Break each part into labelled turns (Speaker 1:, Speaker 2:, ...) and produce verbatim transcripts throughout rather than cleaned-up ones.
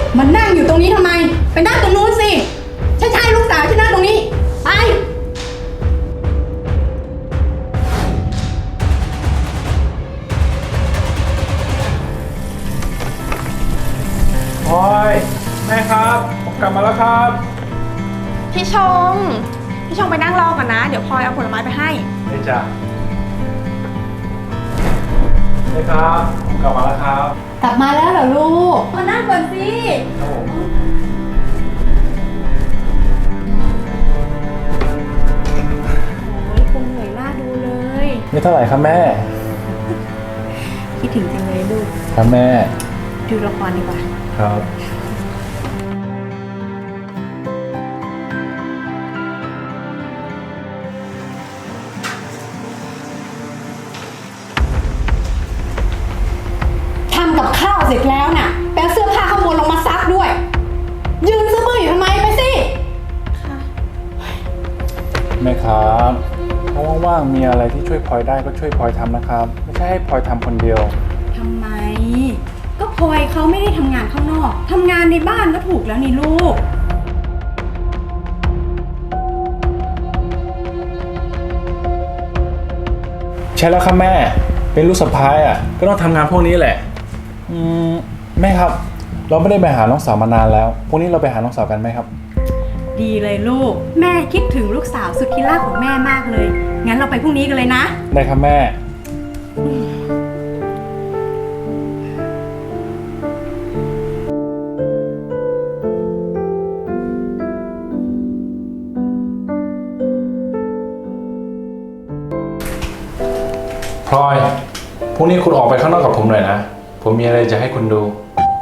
Speaker 1: มันนั่งอยู่ตรงนี้ทำไมไปนั่งตรงนู้นสิใช่ใช่ลูกสาวที่นั่งตรงนี้ไป
Speaker 2: พลอยแม่ครับผมกลับมาแล้วครับ
Speaker 3: พี่ชง พี่ชงไปนั่งรอก่อนนะ เดี๋ยวพลอยเอาผลไม้ไปให้
Speaker 2: ได้จ้ะแม่ครับผมกลับมาแล้วครับ
Speaker 1: กลับมาแล้วเหรอลูกมานั่งก่อนสิ
Speaker 2: ครับผม
Speaker 1: โอ้ยคงเหนื่อยหน้าดูเลย
Speaker 2: ไม่เท่าไหร่ครับแม่
Speaker 1: คิดถึงจังเลยลูก
Speaker 2: ครับแม่
Speaker 1: ดูละครดีกว่า
Speaker 2: ครับ
Speaker 1: ทำกับข้าวเสร็จแล้วน่ะแปลเสื้อผ้าข้างบนลงมาซักด้วย ยืนซื้อมืออยู่ทำไมไปสิ
Speaker 2: แม่ครับถ้าว่างๆมีอะไรที่ช่วยพลอยได้ก็ช่วยพลอยทำนะครับ ไม่ใช่ให้พลอยทำคนเดียว
Speaker 1: ทำไม ก็พลอยเขาไม่ได้ทำงานข้างนอกทำงานในบ้านก็ถูกแล้วนี่ลูก
Speaker 2: ใช่แล้วครับแม่เป็นลูกสะพ้ายอ่ะก็ต้องทำงานพวกนี้แหละอืมแม่ครับ เราไม่ได้ไปหาน้องสาวมานานแล้วพวกนี้เราไปหาน้องสาวกันไหมครับ
Speaker 1: ดีเลยลูก แม่คิดถึงลูกสาวสุดที่รักของแม่มากเลย งั้นเราไปพรุ่งนี้กันเลยนะ
Speaker 2: ได้ครับแม่พลอยพรุ่งนี้คุณออกไปข้างนอกกับผมหน่อยนะผมมีอะไรจะให้คุณดู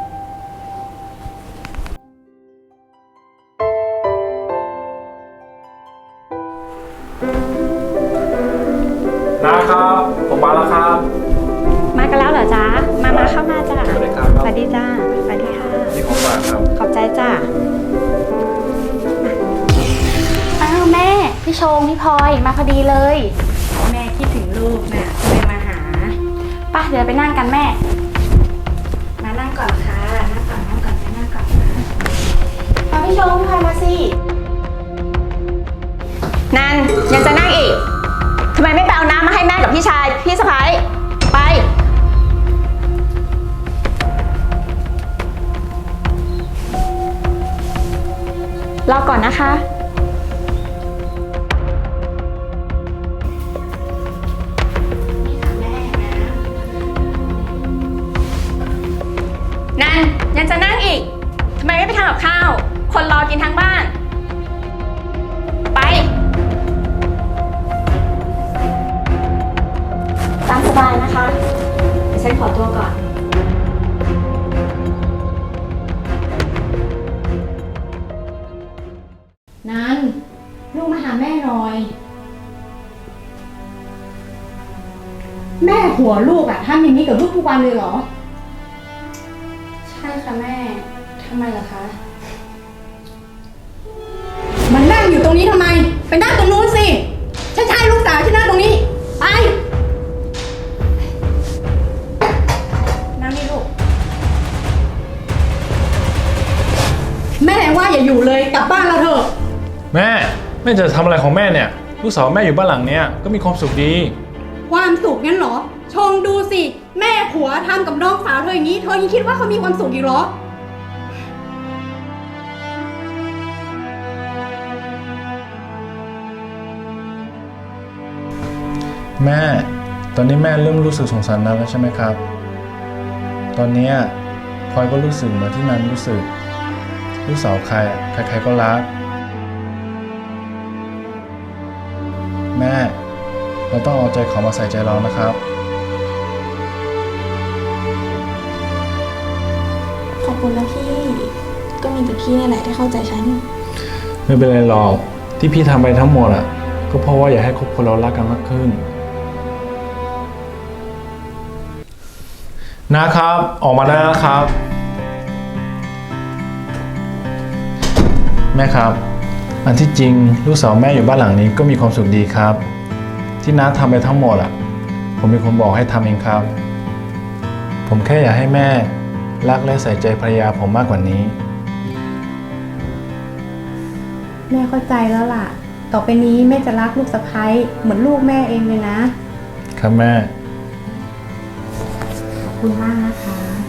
Speaker 2: นะครับผมมาแล้วครับ
Speaker 3: มากันแล้วเหรอจ๊ะ มามาเข้ามาจ้ะ
Speaker 2: สวัสดีครับ
Speaker 3: สวัสดีจ้าสวัสดีค่ะ
Speaker 2: นี่ของฝากครับ
Speaker 3: ขอบใจจ้า
Speaker 4: อ้าวแม่ พี่ชง พี่พลอยมาพอดีเลย
Speaker 1: แม่คิดถึงลูกน่ะเลยมาหา
Speaker 4: ป่ะเดี๋ยวไปนั่งกันแม่
Speaker 1: มานั่งก่อนค่ะนั่งก่อนนั่งก่อนนั่งก่อนนะ
Speaker 4: มาพี่ชง พี่พลอยมาสิ
Speaker 3: นันยังจะนั่งอีก ทำไมไม่ไปเอาน้ำมาให้แม่กับพี่ชาย พี่สะพ้ายไป รอก่อนนะคะ นันยังจะนั่งอีก ทำไมไม่ไปทำกับข้าว คนรอกินทั้งบ้าน ไป
Speaker 4: ตามสบายนะคะ เดี๋ยวฉันขอตัวก่อน
Speaker 1: นันลูกมาหาแม่หน่อย แม่หัวลูกอะทำอย่างนี้กับลูกทุกวันเลยเหรอ
Speaker 4: ใช่ค่ะแม่ ทำไมเหรอคะ
Speaker 1: มันนั่งอยู่ตรงนี้ทำไมไปนั่งตรงนู้นสิใช่ใช่ลูกสาวที่นั่งตรงนี้ไปนั่งนี่ลูกแม่ว่าอย่าอยู่เลยกลับบ้านเราเถอะ
Speaker 2: แม่แม่จะทำอะไรของแม่เนี่ยลูกสาวแม่อยู่บ้านหลังเนี้ยก็มีความสุขดี
Speaker 1: ความสุขงั้นเหรอ ชงดูสิ แม่ผัวทำกับน้องสาวเธออย่างนี้ เธอยังคิดว่าเขามีความสุขอีกเหรอ
Speaker 2: แม่ตอนนี้แม่เริ่มรู้สึกสงสารนันแล้วใช่ไหมครับ ตอนเนี้ยพลอยก็รู้สึกเหมือนที่นันรู้สึกลูกสาวใครใครๆก็รักแม่เราต้องเอาใจเขามาใส่ใจเรานะครับ
Speaker 4: ขอบคุณนะพี่ ก็มีแต่พี่นี่แหละที่เข้าใจฉัน
Speaker 2: ไม่เป็นไรหรอกที่พี่ทำไปทั้งหมดอ่ะก็เพราะว่าอยากให้ครอบครัวเรารักกันมากขึ้นนะครับออกมาได้แล้วครับ แม่ครับอันที่จริงลูกสาวแม่อยู่บ้านหลังนี้ก็มีความสุขดีครับที่น้าทำไปทั้งหมดอ่ะผมเป็นคนบอกให้ทำเองครับผมแค่อยากให้แม่รักและใส่ใจภรรยาผมมากกว่านี้
Speaker 1: แม่เข้าใจแล้วล่ะ ต่อไปนี้แม่จะรักลูกสะใภ้เหมือนลูกแม่เองเลยนะ
Speaker 2: ครับแม่
Speaker 1: ขอบคุณมากนะคะ